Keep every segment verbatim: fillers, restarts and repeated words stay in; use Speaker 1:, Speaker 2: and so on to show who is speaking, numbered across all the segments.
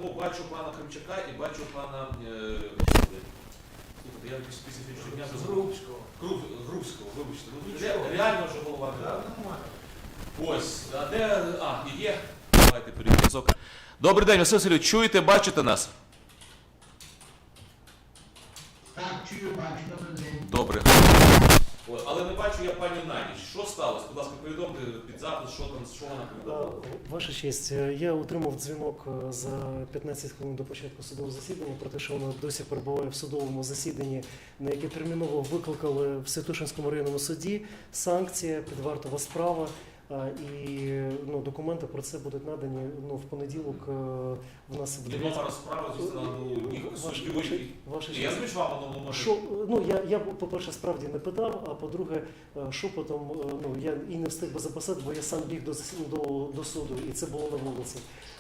Speaker 1: ну, бачу пана Кримчака і бачу пана е, слухайте, я специфічно дня
Speaker 2: Грубського.
Speaker 1: Груб, Грубського, вибачте. Ну, ре, реально вже голова не дала. Ось, а де, а, і є. Давайте перезв'язок. Добрий день, Василь Васильович, чуєте, бачите нас?
Speaker 3: Так, чую, бачу, добрий день.
Speaker 1: Добре. О, але не бачу я пані Наді. Що сталося? Будь ласка, повідомте під запис, що там, що вона повідомила.
Speaker 2: Ваша честь, я отримав дзвінок за п'ятнадцять хвилин до початку судового засідання про те, що вона досі перебуває в судовому засіданні, на яке терміново викликали в Святошинському районному суді. Санкція, підвартова справа. І ну, документи про це будуть надані ну, в понеділок. В нас
Speaker 1: І номер справи зі суддю. Я звичайно вам воно може.
Speaker 2: Що, ну, я, я, по-перше, справді не питав, а по-друге, шепотом, ну, я і не встиг би записати, бо я сам біг до, до, до суду, і це було на вулиці.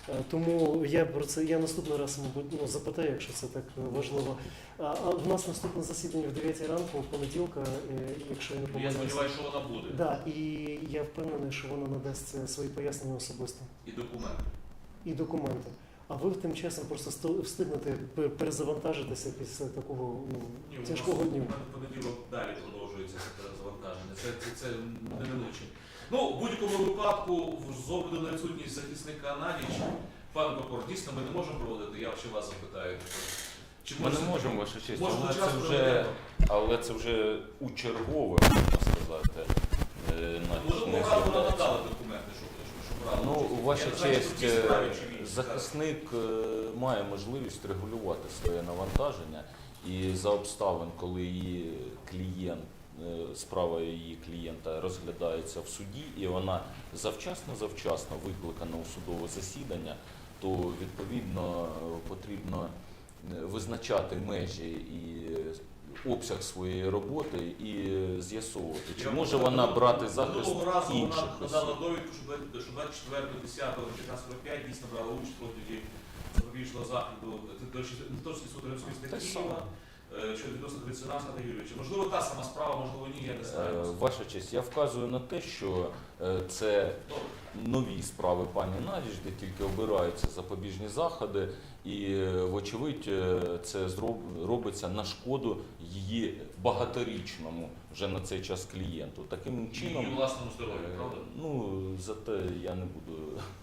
Speaker 2: Тому я про це, я наступний раз, мабуть, ну, запитаю, якщо це так важливо. А, а в нас наступне засідання в дев'ятій ранку, в понеділка, якщо я не помиляюся.
Speaker 1: Я сподіваюся, що вона буде.
Speaker 2: Да, і я впевнений, що вона надасть свої пояснення особисто.
Speaker 1: І документи.
Speaker 2: І документи. А ви тим часом просто встигнете перезавантажитися після такого ну,
Speaker 1: Ні,
Speaker 2: тяжкого дня.
Speaker 1: У мене в понеділок далі продовжується це перезавантаження. Це, це, це неминуче. Ну, в будь-якому випадку, з огляду на відсутність захисника Надіч, пан прокурор, дійсно ми не можемо проводити, я ще вас запитаю. Чи
Speaker 4: Ми не можемо, ваша честь,
Speaker 1: може,
Speaker 4: але,
Speaker 1: час
Speaker 4: це вже, але це вже у чергове, можна сказати.
Speaker 1: Можливо,
Speaker 4: не
Speaker 1: правда
Speaker 4: з'являється.
Speaker 1: надали документи, щоб, щоб, щоб правда.
Speaker 4: Ну, ваша
Speaker 1: Я знаю, що
Speaker 4: честь,
Speaker 1: в цій справі чи в іншій,
Speaker 4: захисник е, має можливість регулювати своє навантаження, і за обставин, коли її клієнт, е, справа її клієнта розглядається в суді, і вона завчасно-завчасно викликана у судове засідання, то відповідно потрібно визначати межі і обсяг своєї роботи і з'ясовувати, чи може вона брати захист
Speaker 1: Минулого разу
Speaker 4: інших
Speaker 1: вона
Speaker 4: осіб.
Speaker 1: надала довідку, що двадцять четвертого десятого чотирнадцять сорок п'ять дійсно брала участь проти запобіжного заходу Товстий суд Римської
Speaker 4: Те
Speaker 1: статті
Speaker 4: саме.
Speaker 1: щодо відносно Грицина Аркадія Юрійовича. Можливо, та сама справа, можливо, ні, я не
Speaker 4: Е,
Speaker 1: знаю.
Speaker 4: Ваша честь, я вказую на те, що е, це нові справи пані Надіж, де тільки обираються запобіжні заходи, і, е, вочевидь, е, це зроб- робиться на шкоду її багаторічному вже на цей час клієнту. Таким чином,
Speaker 1: Її власному здоров'ю,
Speaker 4: е,
Speaker 1: правда?
Speaker 4: ну, зате я не буду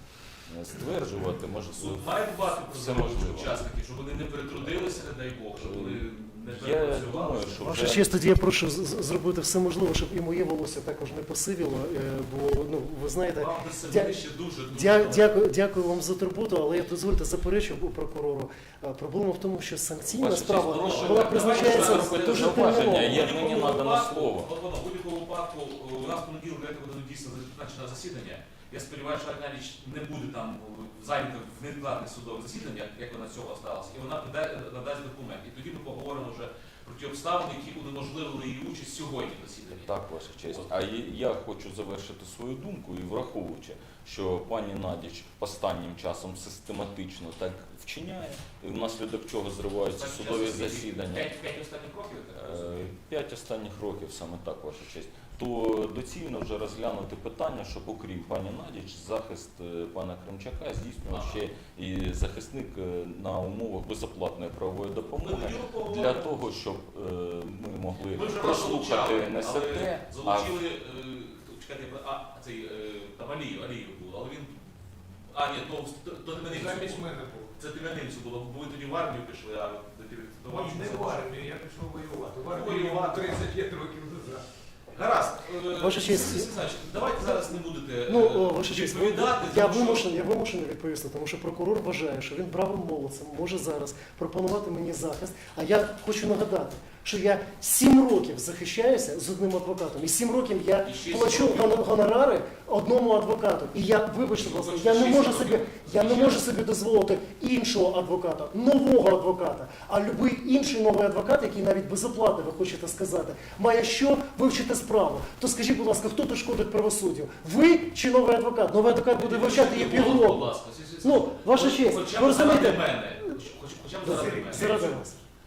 Speaker 4: е, стверджувати, може,
Speaker 1: Суд має дбати про
Speaker 4: все
Speaker 1: здоров'я
Speaker 4: можливо.
Speaker 1: учасників, щоб вони не перетрудилися, не дай Бог, щоб вони не
Speaker 4: Я
Speaker 1: перепрацювали.
Speaker 4: думаю, що
Speaker 2: Ваша
Speaker 4: вже...
Speaker 2: честь, тоді я прошу з- з- зробити все можливе, щоб і моє волосся також не посивіло, е, бо ну ви знаєте,
Speaker 1: Вам до себе
Speaker 2: дя-
Speaker 1: ще дуже, дуже
Speaker 2: дя,
Speaker 1: багато.
Speaker 2: дякую, дякую вам за турботу, але я дозвольте заперечу у прокурору. Е, Проблема в тому, що санкційна
Speaker 4: Ваша честь,
Speaker 2: справа
Speaker 4: прошу,
Speaker 2: вона
Speaker 4: давайте
Speaker 2: призначається
Speaker 4: робити
Speaker 2: дуже
Speaker 4: зауваження.
Speaker 2: терміново.
Speaker 4: Є-
Speaker 1: В
Speaker 4: мені
Speaker 1: будь-якому
Speaker 4: надано
Speaker 1: випадку,
Speaker 4: слово.
Speaker 1: от воно, в будь-якому випадку, у нас в понеділок дев'ятого буде дійсно призначено засідання. Я сподіваюся, що Надіч не буде там зайнята в невідкладне судове засідання, як вона з цього сталося, і вона нада- надасть документ. І тоді ми поговоримо вже про ті обставини, які унеможливили її участь сьогодні в засіданні.
Speaker 4: Так, ваша честь. А є- я хочу завершити свою думку і враховуючи, що пані Надіч останнім часом систематично так вчиняє, і внаслідок чого зриваються
Speaker 1: Останній
Speaker 4: судові
Speaker 1: час засідання.
Speaker 4: засідання.
Speaker 1: П'ять, п'ять останніх років, я так
Speaker 4: Е,
Speaker 1: розумію.
Speaker 4: П'ять останніх років, саме так, ваша честь, то доцільно вже розглянути питання, щоб окрім пані Надіч, захист е, пана Кримчака здійснював
Speaker 1: Ага.
Speaker 4: ще і захисник е, на умовах безоплатної правової
Speaker 1: Ми
Speaker 4: допомоги,
Speaker 1: тоді поговоримо.
Speaker 4: для того, щоб е, ми могли
Speaker 1: Ми вже вас
Speaker 4: прослухати
Speaker 1: залучали,
Speaker 4: не
Speaker 1: але
Speaker 4: СТ, а
Speaker 1: залучили, е, чекайте, а цей е, там Аліїв, Аліїв був, але він. А, ні, то, то, то не
Speaker 5: Замість
Speaker 1: Тимянинцю було.
Speaker 5: мене був.
Speaker 1: Це Тимянинцю було, бо ви тоді в армію пішли, а до тебе до вас
Speaker 5: Ні, не
Speaker 1: це
Speaker 5: в армію, я пішов воювати. В армію
Speaker 1: Воювати.
Speaker 5: тридцять п'ять років назад.
Speaker 1: Гаразд. Е,
Speaker 2: Ваша честь.
Speaker 1: Сергій Олександрович, давайте зараз не будете
Speaker 2: Ну,
Speaker 1: е,
Speaker 2: о, ваша честь, ви-
Speaker 1: відповідати.
Speaker 2: я
Speaker 1: тому що-
Speaker 2: вимушений, я вимушений відповісти, тому що прокурор вважає, що він правим молодцем може зараз пропонувати мені захист. А я хочу нагадати, що я сім років захищаюся з одним адвокатом, і сім років я
Speaker 1: І ще
Speaker 2: плачу
Speaker 1: сім років.
Speaker 2: гон- гонорари одному адвокату. І я, вибачте, будь ласка, я не
Speaker 1: Шість
Speaker 2: можу
Speaker 1: років.
Speaker 2: собі, я не
Speaker 1: Ще.
Speaker 2: можу собі дозволити іншого адвоката, нового адвоката. А будь-який інший новий адвокат, який навіть безоплатно, ви хочете сказати, має що вивчити справу. То скажіть, будь ласка, хто тут шкодить правосуддю? Ви чи новий адвокат? Новий адвокат буде вивчати її
Speaker 1: Будь
Speaker 2: півроку.
Speaker 1: ласка, Сергій
Speaker 2: Ну, ваша
Speaker 1: Олександрович,
Speaker 2: честь,
Speaker 1: хоча б
Speaker 2: ви розумієте?
Speaker 1: заради мене. Хоч- Хоча б заради мене.
Speaker 2: Заради вас.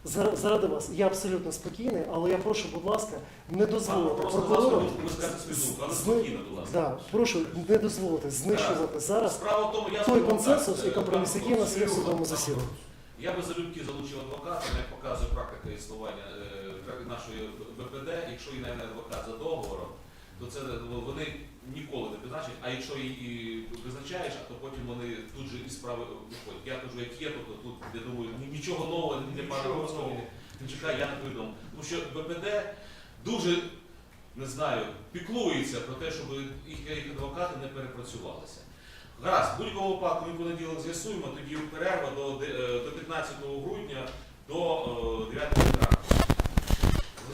Speaker 2: За- Заради вас, я абсолютно спокійний, але я прошу, будь ласка, не дозволити
Speaker 1: Просто, будь
Speaker 2: прокурору.
Speaker 1: ласка, ви скажете свою думку, але
Speaker 2: з-
Speaker 1: спокійно, будь ласка.
Speaker 2: Да, прошу не дозволити знищувати зараз
Speaker 1: Справа в тому, я
Speaker 2: той
Speaker 1: скажу вам
Speaker 2: консенсус
Speaker 1: так,
Speaker 2: і
Speaker 1: е,
Speaker 2: компроміс,
Speaker 1: пан
Speaker 2: який у нас є в
Speaker 1: Сергій,
Speaker 2: судовому
Speaker 1: пан
Speaker 2: засіданні.
Speaker 1: Я би залюбки залучив адвоката, як показує практика існування е, нашої Б П Д, якщо і найме адвокат за договором, то це ну, вони ніколи не призначать, а якщо і, і призначаєш, а то потім вони тут же і справи виходять. Я кажу, як є, тобто тут, я думаю, ні- нічого нового ні для пана
Speaker 5: Нічого
Speaker 1: Горського,
Speaker 5: нового.
Speaker 1: не чекаю, я не повідомив. Тому що Б П Д дуже, не знаю, піклується про те, щоб їх, їх адвокати не перепрацювалися. Гаразд, в будь-якому випадку ми в понеділок з'ясуємо, тоді перерва до, де- е, до п'ятнадцятого грудня до е, дев'ятої ранку.